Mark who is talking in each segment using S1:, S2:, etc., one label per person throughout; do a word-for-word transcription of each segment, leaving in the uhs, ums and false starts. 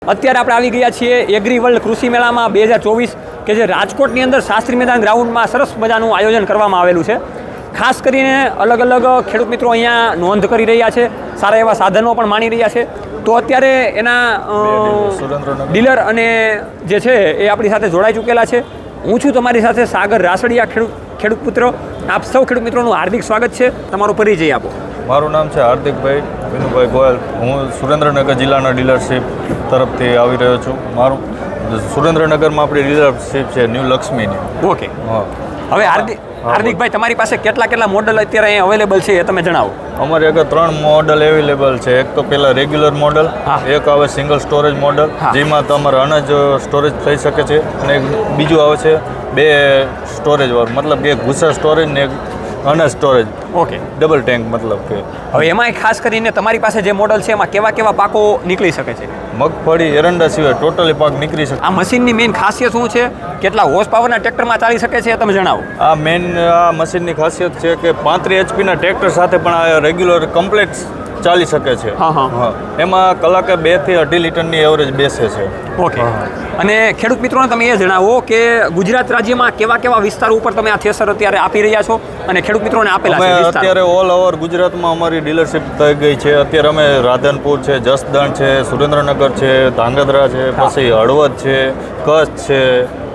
S1: અત્યારે આપણે આવી ગયા છીએ એગ્રી વર્લ્ડ કૃષિ મેળામાં બે હજાર ચોવીસ કે જે રાજકોટની અંદર શાસ્ત્રી મેદાન ગ્રાઉન્ડમાં સરસ મજાનું આયોજન કરવામાં આવેલું છે. ખાસ કરીને અલગ અલગ ખેડૂત મિત્રો અહીંયા નોંધ કરી રહ્યા છે, સારા એવા સાધનો પણ માણી રહ્યા છે. તો અત્યારે એના ડીલર અને જે છે એ આપણી સાથે જોડાઈ ચૂકેલા છે. હું છું તમારી સાથે સાગર રાસડિયા, ખેડૂત ખેડૂત પુત્ર. આપ સૌ ખેડૂત મિત્રોનું હાર્દિક સ્વાગત છે. તમારો પરિચય આપો.
S2: મારું નામ છે હાર્દિકભાઈ વિનુભાઈ ગોયલ. હું સુરેન્દ્રનગર જિલ્લાના ડીલરશીપ તરફથી આવી રહ્યો છું. મારું સુરેન્દ્રનગરમાં આપણી ડીલરશીપ છે ન્યૂ લક્ષ્મીની.
S1: ઓકે, હવે હાર્દિક હાર્દિકભાઈ તમારી પાસે કેટલા કેટલા મોડલ અત્યારે અહીં અવેલેબલ છે એ તમે જણાવો.
S2: અમારી આગળ ત્રણ મોડલ અવેલેબલ છે. એક તો પહેલાં રેગ્યુલર મોડલ, એક આવે સિંગલ સ્ટોરેજ મોડલ જેમાં તમારે અનાજ સ્ટોરેજ થઈ શકે છે, અને એક બીજું આવે છે બે સ્ટોરેજ વાળું, મતલબ કે એક ભૂસા સ્ટોરેજ ને એક અનાજ સ્ટોરેજ.
S1: ઓકે,
S2: ડબલ ટેન્ક મતલબ કે.
S1: હવે એમાંય ખાસ કરીને તમારી પાસે જે મોડલ છે એમાં કેવા કેવા પાકો નીકળી શકે છે?
S2: મગફળી એરંડા સિવાય ટોટલી પાક નીકળી શકે.
S1: આ મશીનની મેઇન ખાસિયત શું છે? કેટલા હોર્સ પાવરના ટ્રેક્ટરમાં ચાલી શકે છે એ તમે જણાવો.
S2: આ મેઇન આ મશીનની ખાસિયત છે કે પાંત્રીસ એચપીના ટ્રેક્ટર સાથે પણ આ રેગ્યુલર કમ્પ્લેટ ચાલી શકે છે.
S1: હા હા
S2: હા, એમાં કલાકે બે થી અઢી લીટરની એવરેજ બેસે છે.
S1: ઓકે, અને ખેડૂત મિત્રોને તમે એ જણાવો કે ગુજરાત રાજ્યમાં કેવા કેવા વિસ્તારો ઉપર તમે આ થ્રેસર અત્યારે આપી રહ્યા છો અને ખેડૂત મિત્રોને આપેલા છે
S2: અમે
S1: વિસ્તાર?
S2: અત્યારે ઓલ ઓવર ગુજરાતમાં અમારી ડીલરશીપ થઈ ગઈ છે. અત્યારે અમે રાધનપુર છે, જસદણ છે, સુરેન્દ્રનગર છે, ધાંગધ્રા છે, પછી હળવદ છે, કચ્છ છે,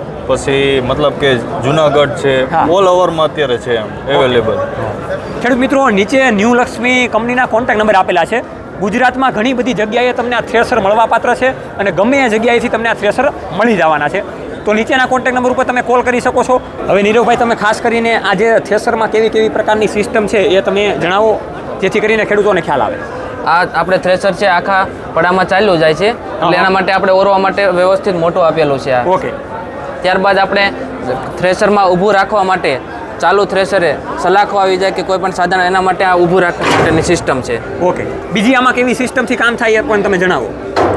S2: પછી મતલબ કે જુનાગઢ છે. ઓલ ઓવરમાં અત્યારે છે એમ અવેલેબલ.
S1: ખેડૂત મિત્રો, નીચે ન્યૂ લક્ષ્મી કંપનીના કોન્ટેક્ટ નંબર આપેલા છે. ગુજરાતમાં ઘણી બધી જગ્યાએ તમને આ થ્રેસર મળવાપાત્ર છે અને ગમે એ જગ્યાએથી તમને આ થ્રેસર મળી જવાના છે. તો નીચેના કોન્ટેક્ટ નંબર ઉપર તમે કોલ કરી શકો છો. હવે નીરવભાઈ, તમે ખાસ કરીને આ જે થ્રેસરમાં કેવી કેવી પ્રકારની સિસ્ટમ છે એ તમે જણાવો, જેથી કરીને ખેડૂતોને ખ્યાલ આવે.
S3: આ આપણે થ્રેસર છે આખા પડામાં ચાલ્યું જાય છે, એટલે એના માટે આપણે ઓરવા માટે વ્યવસ્થિત મોટું આપેલું છે.
S1: ઓકે,
S3: ત્યારબાદ આપણે થ્રેસરમાં ઊભું રાખવા માટે ચાલુ થ્રેસરે સલાખો આવી જાય કે કોઈ પણ સાધન, એના માટે આ ઊભું રાખવા માટેની સિસ્ટમ છે.
S1: ઓકે, બીજી આમાં કેવી સિસ્ટમથી કામ થાય એ પણ તમે જણાવો.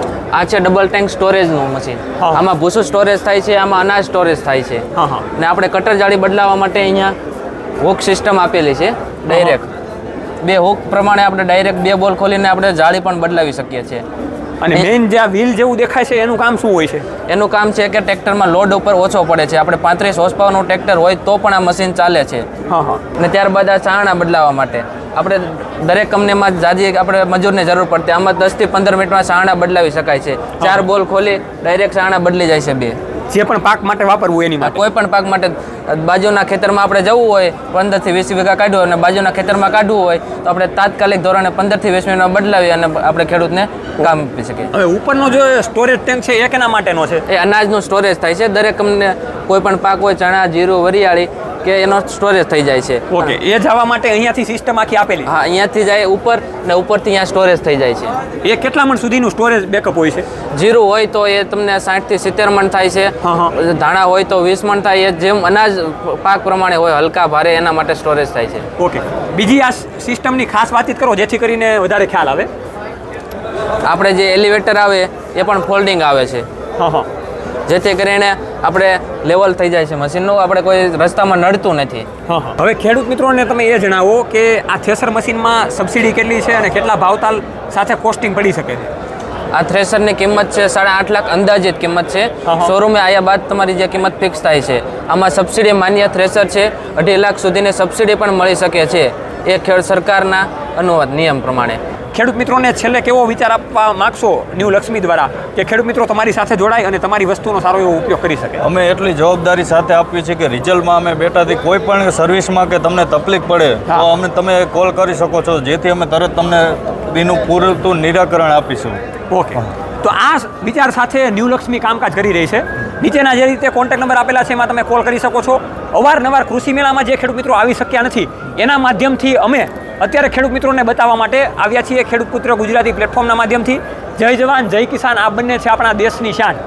S3: આ છે ડબલ ટેન્ક સ્ટોરેજનું મશીન. આમાં ભૂસું સ્ટોરેજ થાય છે, આમાં અનાજ સ્ટોરેજ થાય છે.
S1: હા હા,
S3: ને આપણે કટર જાળી બદલાવવા માટે અહીંયા હુક સિસ્ટમ આપેલી છે ડાયરેક્ટ. બે હુક પ્રમાણે આપણે ડાયરેક્ટ બે બોલ ખોલીને આપણે જાળી પણ બદલાવી શકીએ છીએ.
S1: અને મેઇન જે આ વ્હીલ જેવું દેખાય છે એનું કામ શું હોય છે?
S3: એનું કામ છે કે ટ્રેક્ટરમાં લોડ ઉપર ઓછો પડે છે. આપણે પાંત્રીસ હોર્સ પાવરનું ટ્રેક્ટર હોય તો પણ આ મશીન ચાલે છે.
S1: હા હા,
S3: અને ત્યારબાદ આ ચારણા બદલાવવા માટે આપણે દરેક કંપનીમાં જાજી આપણે મજૂરની જરૂર પડતી. આમાં દસથી પંદર મિનિટમાં ચારણા બદલાવી શકાય છે. ચાર બોલ ખોલી ડાયરેક્ટ ચારણા બદલી જાય છે. બે
S1: જે પણ પાક માટે વાપરવું એની માટે.
S3: કોઈ પણ પાક માટે બાજુના ખેતરમાં આપણે જવું હોય, પંદરથી વીસ વીઘા કાઢવું અને બાજુના ખેતરમાં કાઢવું હોય તો આપણે તાત્કાલિક ધોરણે પંદરથી વીસ મિનિટમાં બદલાવી અને આપણે ખેડૂતને કામ આપી શકીએ.
S1: હવે ઉપરનો જે સ્ટોરેજ ટેન્ક છે એ કેના માટેનો છે?
S3: એ અનાજનું સ્ટોરેજ થાય છે. દરેક કંપની કોઈ પણ પાક હોય, ચણા, જીરું, વરિયાળી કે એનો સ્ટોરેજ થઈ જાય છે.
S1: ઓકે, એ જવા માટે અહીંયાથી સિસ્ટમ આખી આપેલી?
S3: હા, અહીંયાથી જાય ઉપર ને ઉપરથી અહીંયા સ્ટોરેજ થઈ જાય છે.
S1: એ કેટલા મણ સુધીનું સ્ટોરેજ બેકઅપ હોય છે?
S3: જીરું હોય તો એ તમને સાઠથી સિત્તેર મણ થાય છે. ધાણા હોય તો વીસ મણ થાય. એ જેમ અનાજ પાક પ્રમાણે હોય, હલકા ભારે, એના માટે સ્ટોરેજ થાય છે.
S1: ઓકે, બીજી આ સિસ્ટમની ખાસ વાતચીત કરો જેથી કરીને વધારે ખ્યાલ આવે.
S3: આપણે જે એલિવેટર આવે એ પણ ફોલ્ડિંગ આવે છે,
S1: હા હા,
S3: જેથી કરીને આપણે લેવલ થઈ જાય છે મશીનનું. આપણે કોઈ રસ્તામાં નડતું નથી.
S1: હા હા. હવે ખેડૂત મિત્રોને તમે એ જણાવો કે આ થ્રેસર મશીનમાં સબસિડી કેટલી છે અને કેટલા ભાવતાલ સાથે કોસ્ટિંગ પડી શકે છે?
S3: આ થ્રેસરની કિંમત છે સાડા આઠ લાખ અંદાજિત કિંમત છે. શોરૂમે આવ્યા બાદ તમારી જે કિંમત ફિક્સ થાય છે. આમાં સબસિડી માન્ય થ્રેસર છે. અઢી લાખ સુધીની સબસિડી પણ મળી શકે છે, એ ખેડ સરકારના અનુવાદ નિયમ પ્રમાણે.
S1: ખેડૂત મિત્રોને છેલ્લે કેવો વિચાર આપવા માગશો ન્યૂ લક્ષ્મી દ્વારા કે ખેડૂત મિત્રો તમારી સાથે જોડાય અને તમારી વસ્તુનો સારો એવો ઉપયોગ કરી શકે?
S2: અમે એટલી જવાબદારી સાથે આપીએ છીએ કે રિઝલ્ટમાં અમે બેટાથી કોઈ પણ સર્વિસમાં કે તમને તકલીફ પડે તો અમને તમે કોલ કરી શકો છો, જેથી અમે તરત તમને એનું પૂરતું નિરાકરણ આપીશું.
S1: ઓકે, તો આ વિચાર સાથે ન્યૂ લક્ષ્મી કામકાજ કરી રહી છે. નીચેના જે રીતે કોન્ટેક્ટ નંબર આપેલા છે એમાં તમે કોલ કરી શકો છો. અવારનવાર કૃષિ મેળામાં જે ખેડૂત મિત્રો આવી શક્યા નથી એના માધ્યમથી અમે અત્યારે ખેડૂત મિત્રોને બતાવવા માટે આવ્યા છીએ ખેડૂત પુત્ર ગુજરાતી પ્લેટફોર્મના માધ્યમથી. જય જવાન જય કિસાન, આ બંને છે આપણા દેશની શાન.